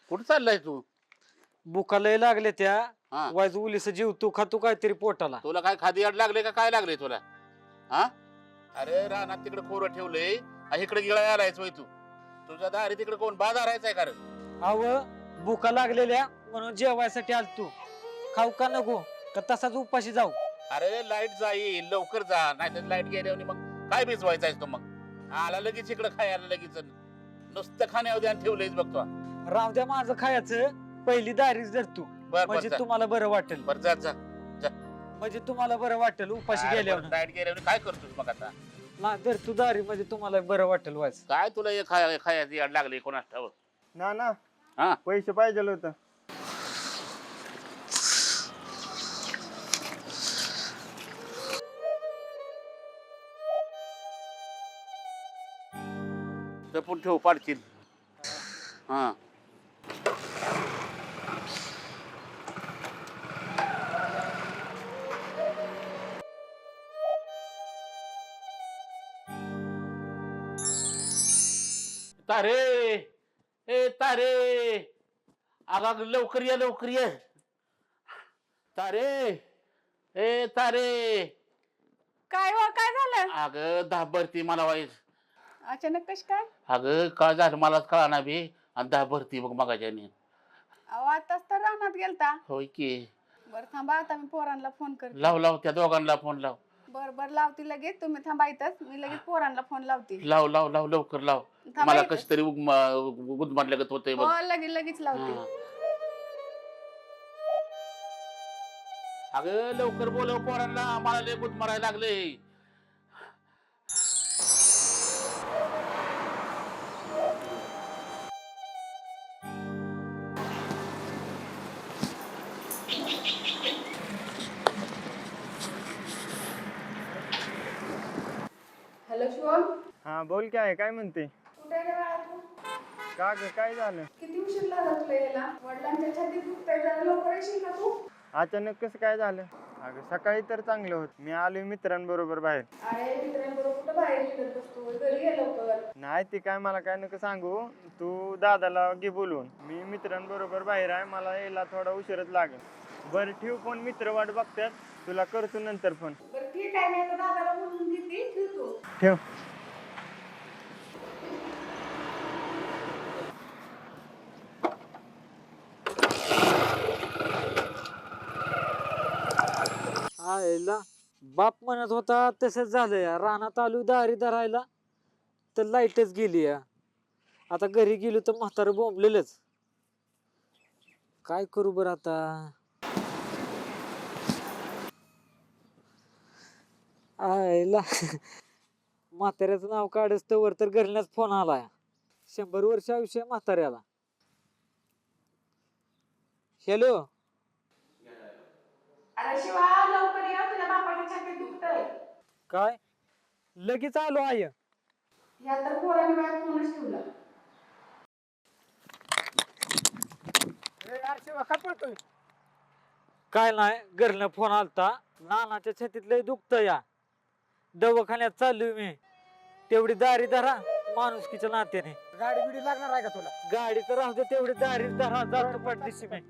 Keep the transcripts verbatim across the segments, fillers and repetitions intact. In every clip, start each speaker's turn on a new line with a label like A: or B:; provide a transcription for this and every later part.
A: कुठं चाललाय तू?
B: बुका लय लागले त्या
A: हा
B: वायच उलीस जीव तू खातू काहीतरी पोटाला.
A: तुला काय खादी अड लागले का काय लागले तुला? हा अरे रानात तिकडे खोरं ठेवलंय आणि इकडे गिळा आलायच होय तू. तुझ्या दारी तिकडे कोण बाजारायचा आहे का रे?
B: अव बुका लागलेल्या म्हणून जेवायसाठी आल तू. खाऊ का नको का तसाच उपाशी जाऊ?
A: अरे लाईट जाईल लवकर जा, नाही तर लाईट गेल्यावर मग काय भिजवायचा आहेस तू? मग आला लगेच इकडे खायला लगेच नुसतं खाण्यावर ध्यान ठेवलंयच बघतो.
B: राव द्या माझं खायचं, पहिली दारीच धर तू.
A: बर
B: म्हणजे
A: बर
B: तुम्हाला बरं वाटेल.
A: बर जा जा.
B: म्हणजे तुम्हाला बरं वाटेल उपाशी गेल्यावर.
A: लाईट गेल्यावर काय करतोस मग आता?
B: ना धर तू दारी म्हणजे तुम्हाला बरं वाटेल वाच.
A: काय तुला हे खाय खायची अड लागली कोणास ठाऊक?
C: ना ना
A: हा
C: पैसे पाहिजे होतं.
A: जपून ठेव पाडशील. हा तारे ए तारे, अग अग लवकर ये लवकर ये. तारे ए तारे,
D: काय हो काय झालं
A: अगं दहा भरती मला वाईस.
D: अचानक कश काय?
A: अगं काय झालं मलाच कळना बी, आणि दहा भरती बघ मगाच्याने.
D: अहो आताच तर रानात गेलता.
A: होय की.
D: बर थांबा आता मी पोरांना फोन करते.
A: लाव लाव त्या दोघांना फोन लाव.
D: बर बर लावते लगेच, तुम्ही थांबा इथंच, मी लगेच पोरांना फोन लावते.
A: लाव लाव लाव लवकर लाव.
D: थांबा
A: मला
D: इथंच.
A: कशी तरी गुदमारल्यागत होतंय बघ.
D: हो लगेच लगेच लावते.
A: हा. अगं लवकर बोलव पोरांना, मला लय गुद मारायला लागले.
D: हॅलो शिवम,
C: हा बोल काय आहे, काय म्हणते?
D: कुठे रे बाळा तू?
C: का ग काय झालं?
D: किती उशीर लागला तुला यायला? वडिलांच्या छातीत दुखतंय, जरा लवकर येशील का तू?
C: अचानक कसं काय झालं? अगं सकाळी तर चांगलं होत, मी आलोय मित्रांबरोबर बाहेर.
D: अरे मित्रांबरोबर कुठं बाहेर फिरत बसतो, घरी ये लवकर.
C: नाही ते काय मला काय नको सांगू, तू दादाला घे बोलवून. मी मित्रांबरोबर बाहेर आहे, मला यायला थोडा उशीरच लागेल. बरं ठेव फोन, मित्र वाट बघतात, तुला करतो नंतर फोन.
D: बरं ठीक आहे, मी आता दादाला बोलून घेते, ठेवतो.
C: ठेव.
B: आयला बाप म्हणत होता तसंच झालं या. रानात आलो दारी धरायला तर लाईटच गेली या. आता घरी गेलो तर म्हातारं बोंबलेलंच. काय करू बरं आता? आयला म्हाताऱ्याचं नाव काढच तवर तर घरल्याच फोन आलाय. शंभर वर्ष आयुष्य आहे म्हाताऱ्याला. हॅलो,
D: अरे शिवा लवकर ये, तुझ्या बापाच्या छातीत दुखतंय.
B: काय लगेच आलो आय.
D: ह्या तर पोराने बाहेर फोनच ठेवला.
B: काय नाही, घरनं फोन आलता, नानाच्या छातीत लय दुखत या, दवाखान्यात चाललोय मी. तेवढी दारी धरा माणुसकीच्या नात्याने.
C: गाडी बिडी लागणार आहे का तुला?
B: गाडी तर राहू दे, तेवढी दारी धरा जातो पाठदिशी मी.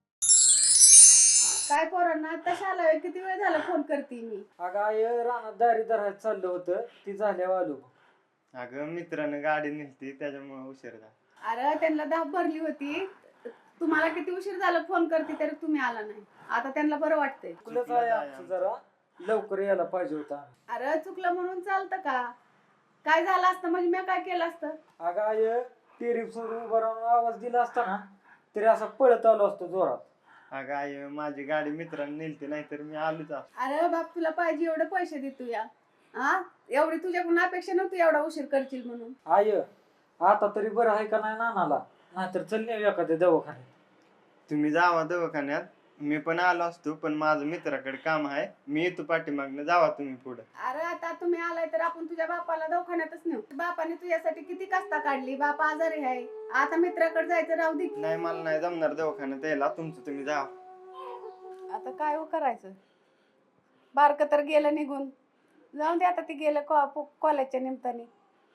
D: काय पोरांना आताच आलाय, किती वेळ झाला फोन करते मी.
B: अगं आय रानात दारी धरायला चाललं होतं, ती झाल्यावर आलो.
C: अगं मित्रानं गाडी नेलती त्याच्यामुळे उशीर झाला.
D: अरे त्यांना दाब भरली होती, तुम्हाला किती उशीर झाला फोन करते तरी तुम्ही आला नाही. आता त्यांना बरं वाटतंय.
B: चुकलंच आहे आमचं, जरा लवकर यायला पाहिजे होता.
D: अरे चुकलं म्हणून चालतं का? काय झालं असतं म्हणजे मी काय केलं असतं?
B: अगं आय टेरिफ सोडून उभा राहून आवाज दिला असता ना तरी असं पळत आलो असतो जोरात.
C: अगं आई माझी गाडी मित्रांनी नेलती, नाहीतर मी आलोच असतो.
D: अरे बाप तुला पाहिजे एवढे पैसे देतो या, हा एवढी तुझ्याकडून अपेक्षा नव्हती एवढा उशीर करशील म्हणून.
B: आय आता तरी बरं आहे का नाही नानाला? नाहीतर चल नाही एखाद्या दवाखान्यात.
C: तुम्ही जावा दवाखान्यात, मी पण आलो असतो, पण माझं मित्राकडे काम आहे, मी येतो पाठीमागनं, जावा तुम्ही पुढे.
D: अरे आता तुम्ही आलाय तर आपण तुझ्या बापाला दवाखान्यातच नेऊ. बापाने तुझ्यासाठी किती कष्ट काढली, बाप आजारी आहे, आता मित्राकडे जायचं राहू दे.
C: नाही मला नाही जमणार दवाखान्यात यायला, तुमचं तुम्ही जावा.
D: आता काय हो करायचं? बारकं तर गेलं निघून, जाऊन दे आता, ते गेलं कॉलेजच्या निमित्ताने.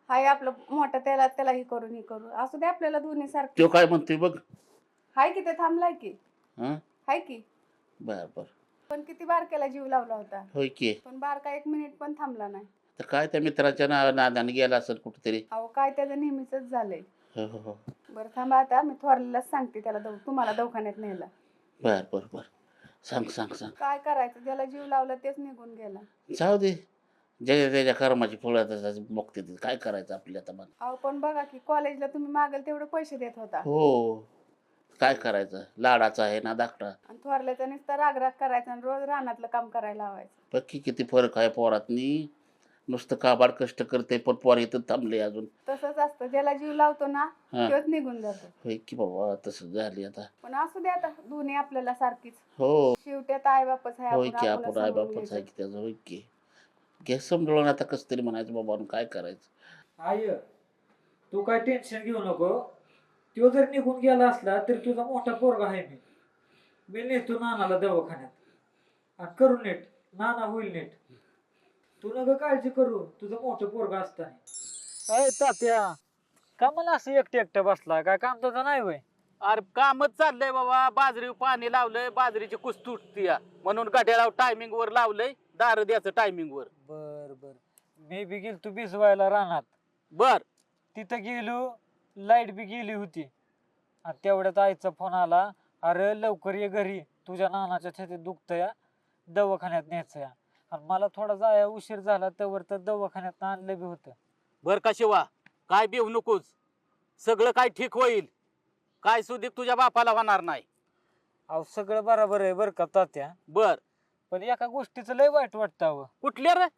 D: हाय आपलं मोठं त्याला त्याला हे करून हे करू असू दे आपल्याला दोन्ही सारखं.
A: तो काय म्हणतोय बघ.
D: हाय की ते थांबलाय की.
A: हा
D: हाय की.
A: बर बर.
D: पण किती बारक्याला जीव लावला होता.
A: होय की.
D: पण बारका एक मिनिट पण थांबला नाही.
A: तर काय त्या मित्राच्या ना नादाने गेला असेल कुठेतरी.
D: अहो काय त्याचं नेहमीच झालंय.
A: हो हो हो.
D: बरं थांबा आता मी थोरल्यालाच सांगते त्याला दव तुम्हाला दवाखान्यात नेला.
A: बर बर बर. सांग सांग सांग.
D: काय करायचं ज्याला जीव लावला तेच निघून गेला.
A: जाऊ दे. ज्याच्या त्याच्या कर्माची फळं बघते ते. काय करायचं आपल्या आता मला.
D: अहो पण बघा की कॉलेजला तुम्ही मागेल तेवढे पैसे देत होता.
A: हो. काय करायचं लाडाचा आहे ना धाकटा.
D: आणि थोरल्याचा नुसता रागराग करायचा आणि रोज रानातलं काम करायला लावायचं.
A: पक्की किती फरक आहे पोरातनी. नुसतं काबाड कष्ट करते पण पोर इथं थांबले अजून.
D: तसंच असतं ज्याला जीव लावतो ना
A: हा.
D: तोच निघून जातो.
A: होय की बाबा तसं झाली आता.
D: पण असू दे आता दोन्ही आपल्याला सारखीच.
A: हो.
D: शेवटी आता आई बापच आहे
A: होय
D: आपण
A: की
D: आपल्याला
A: आपण आई
D: समजून
A: बापच आहे
D: घ्यायचं.
A: की त्याचं. होय की घे समजून आता कसं तरी म्हणायचं बाबा काय करायचं.
B: आय तू काय टेन्शन घेऊ नको. तो जर निघून गेला असला तरी तुझा मोठा पोरगा आहे मी. मी नेतो नानाला दवाखान्यात आणि करू नीट. नाना होईल नीट. तू नका काळजी करू तुझं मोठं पोरगा असताना. अय तात्या का मला असं एकटं एकटं बसला काय काम तुझं नाही वय.
E: अरे कामच चाललंय बाबा. बाजरी पाणी लावलंय बाजरीची कुस तुटती म्हणून गाड्याला टायमिंग वर लावलंय. दार द्याचं टायमिंग वर.
B: बर बर. मी बी गेलो तू भिजवायला रानात.
E: बर
B: तिथं गेलो लाईट बी गेली होती आणि तेवढ्यात आईचा फोन आला. अरे लवकर ये घरी तुझ्या नानाच्या छातीत दुखतंय दवाखान्यात न्यायचं या. आणि मला थोडा जाया उशीर झाला त्यावर तर दवाखान्यात आणलं बी होतं.
E: बर का शिवा काय भिवू नकोस. सगळं काय ठीक होईल. काय सुधीक तुझ्या बापाला होणार नाही.
B: अहो सगळं बरोबर आहे बरं का तात्या.
E: बर
B: पण एका गोष्टीचं लय वाईट वाटतं अहो.
E: कुठले रे.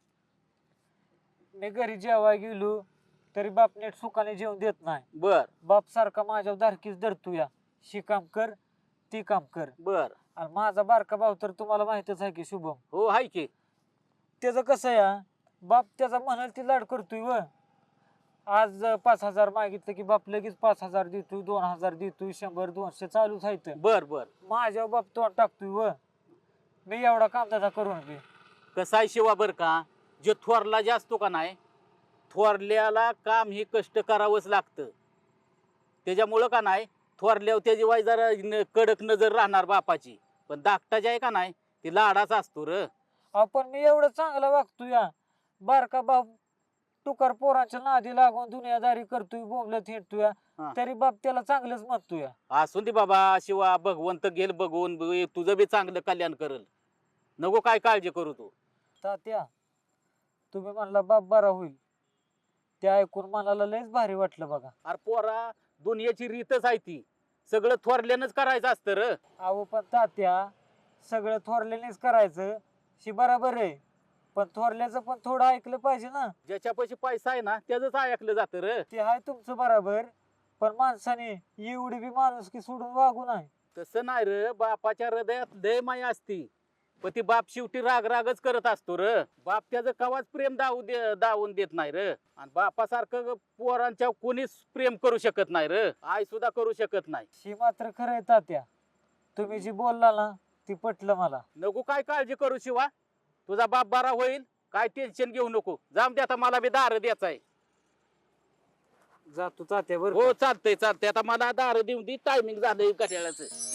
B: मी घरी जेवाय गेलो तरी बाप नीट सुखाने जेवण देत नाही.
E: बर
B: बाप सारखा माझ्यावर धारकीच धरतो या. शी काम कर ती काम कर.
E: बर
B: आणि माझा बारका भाऊ तर तुम्हाला माहितच आहे की शुभम.
E: हो हाय की.
B: त्याचं कसं या बाप त्याचा म्हणाल ती लाड करतोय व. आज पाच हजार मागितलं की बाप लगेच पाच हजार देतोय दोन हजार देतोय शंभर दोनशे चालूच आहेत.
E: बर बर
B: माझ्या बाप तोंड टाकतोय व. मी एवढा कामधंदा करून बी.
E: कसा आहे शिवा बर का. जे थोरला जे असतो का नाही थोरल्याला काम हे कष्ट करावंच लागतं. त्याच्यामुळं का नाही थोरल्यावर त्याची वाय जरा न- कडक नजर राहणार बापाची. पण धाकटा जे आहे का नाही ती लाडाचा असतो र.
B: आपण मी एवढं चांगला वागतोय या. बारका बाप टुकार पोरांच्या नादी लागून दुनियादारी करतोय बोंबलत हिंडतोय
E: हा.
B: तरी बाप त्याला चांगलंच म्हणतोय.
E: असून दे बाबा शिवा भगवंत गेल बघून ब- तुझं बी चांगलं कल्याण करल. नको काय काळजी करू तू.
B: तात्या तुम्ही म्हणला बाप बरा होईल ते ऐकून मनाला लयच भारी वाटलं बघा.
E: अरे पोरा दुनियाची रीतच आहे ती. सगळं थोरल्यानंच करायचं असतं र.
B: अहो पण तात्या सगळं थोरल्यानेच करायचं शी बराबर आहे. पण थोरल्याचं पण थोडं ऐकलं पाहिजे ना.
E: ज्याच्यापाशी पैसा आहे ना त्याच ऐकलं जातं र.
B: ते आहे तुमचं बराबर. पण माणसाने एवढी बी माणूस की सोडून वागू नाही.
E: तसं नाही र. बापाच्या हृदयात लय माया असती. पण ती बाप शेवटी राग रागच करत असतो र. बाप त्याचं कवाच प्रेम दावू दे दावून देत नाही र. आणि बापासारखं पोरांच्या कोणीच प्रेम करू शकत नाही र. आई सुद्धा करू शकत नाही.
B: शी मात्र खरं आहे तात्या. तुम्ही जी बोलला ना ती पटलं मला.
E: नको काय काळजी करू शिवा. तुझा बाप बरा होईल. काय टेन्शन घेऊ नको. जाम दे आता मला बी दार द्यायचा आहे.
B: जातो तात्या बरं
E: हो चालतंय चालतंय. आता मला दार देऊन दे टायमिंग झालंय कट्याळाचं.